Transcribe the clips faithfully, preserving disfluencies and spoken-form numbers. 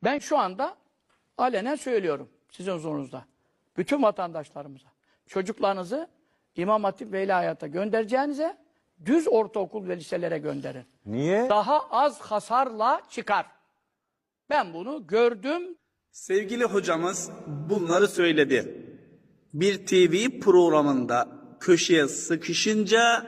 Ben şu anda alenen söylüyorum sizin huzurunuzda. Bütün vatandaşlarımıza. Çocuklarınızı İmam Hatip ve İlahiyat'a göndereceğinize düz ortaokul ve liselere gönderin. Niye? Daha az hasarla çıkar. Ben bunu gördüm. Sevgili hocamız bunları söyledi. Bir T V programında köşeye sıkışınca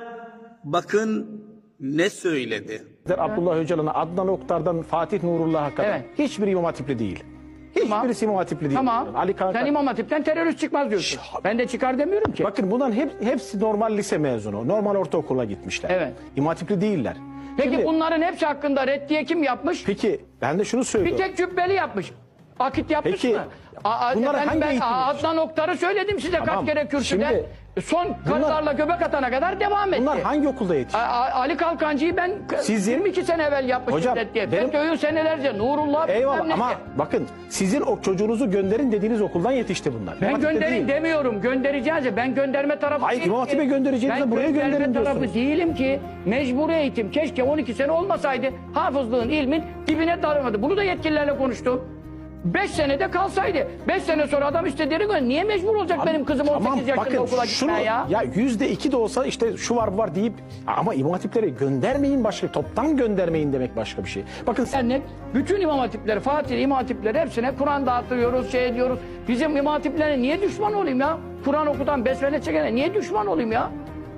bakın ne söyledi. Abdullah Öcalan'a, Adnan Oktar'dan Fatih Nurullah'a kadar Evet. hiçbir İmam Hatipli değil. Tamam. Hiçbirisi İmam Hatipli değil. Tamam. Ali Kanka. Sen İmam Hatip'ten terörist çıkmaz diyorsun. Şş, Ben de çıkar demiyorum ki. Bakın bunların hep, hepsi normal lise mezunu. Normal ortaokula gitmişler. Evet. İmam Hatipli değiller. Peki Şimdi, bunların hepsi hakkında reddiye kim yapmış? Peki ben de şunu Bir söylüyorum. tek Cübbeli yapmış. Akit yapmış Peki, mı? Aa, bunlara efendim hangi ben eğitim Adnan Oktar'ı söyledim size Tamam, kaç kere kürsüde. şimdi Son karılarla göbek atana kadar devam etti. Bunlar hangi okulda yetişti? A- A- Ali Kalkancı'yı ben Sizin- yirmi iki sene evvel yapmıştım Hocam, reddiye. benim- FETÖ'yü senelerce Nurullah Eyvallah bilmem ama neyse. bakın sizin o çocuğunuzu gönderin dediğiniz okuldan yetişti bunlar. Ben İmam Hatip'te gönderin değil. demiyorum. Göndereceğiz ya. Ben gönderme tarafı Hayır, değilim İmam ki. Hatip'e göndereceğinize Ben buraya gönderme gönderin tarafı diyorsunuz. değilim ki. Mecburi eğitim. Keşke on iki sene olmasaydı. Hafızlığın, ilmin dibine daramadı. Bunu da yetkililerle konuştum. beş senede kalsaydı. beş sene sonra adam istediğini gönder. Niye mecbur olacak Abi, benim kızım on sekiz tamam, yaşında bakın, okula şunu, gitmeye ya? Ya yüzde iki de olsa işte şu var bu var deyip ama İmam Hatipleri göndermeyin başka, toptan göndermeyin demek başka bir şey. Bakın sen, Dernek, bütün imam hatipleri, Fatih imam hatipleri hepsine Kur'an dağıtıyoruz, şey ediyoruz. Bizim imam hatiplerine niye düşman olayım ya? Kur'an okutan, besmele çekene niye düşman olayım ya?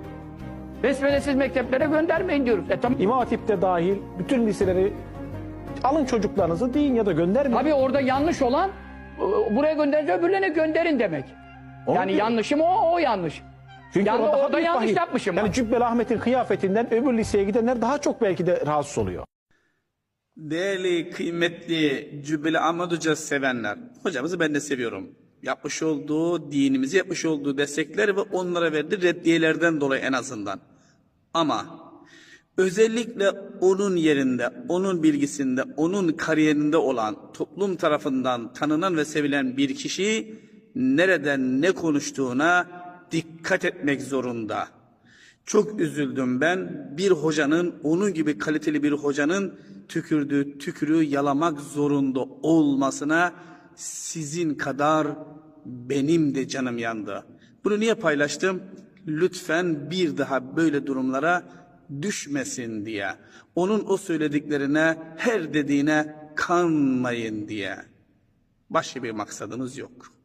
Besmelesiz mekteplere göndermeyin diyoruz. E tamam. İmam Hatip'te dahil bütün liseleri alın çocuklarınızı deyin ya da göndermeyin. Tabii orada yanlış olan e, buraya gönderince öbürlerine gönderin demek. Onu yani diyorum. yanlışım o, o yanlış. Çünkü Yani o daha orada büyük yanlış vahim. yapmışım Yani ben. Cübbeli Ahmet'in kıyafetinden öbür liseye gidenler daha çok belki de rahatsız oluyor. Değerli, kıymetli Cübbeli Ahmet Hoca sevenler, hocamızı ben de seviyorum. Yapmış olduğu, dinimizi yapmış olduğu destekler ve onlara verdiği reddiyelerden dolayı en azından. Ama özellikle onun yerinde, onun bilgisinde, onun kariyerinde olan, toplum tarafından tanınan ve sevilen bir kişi nereden ne konuştuğuna dikkat etmek zorunda. Çok üzüldüm ben bir hocanın, onun gibi kaliteli bir hocanın tükürdüğü tükürüğü yalamak zorunda olmasına sizin kadar benim de canım yandı. Bunu niye paylaştım? Lütfen bir daha böyle durumlara düşmesin diye. Onun o söylediklerine, her dediğine kanmayın diye. Başka bir maksadımız yok.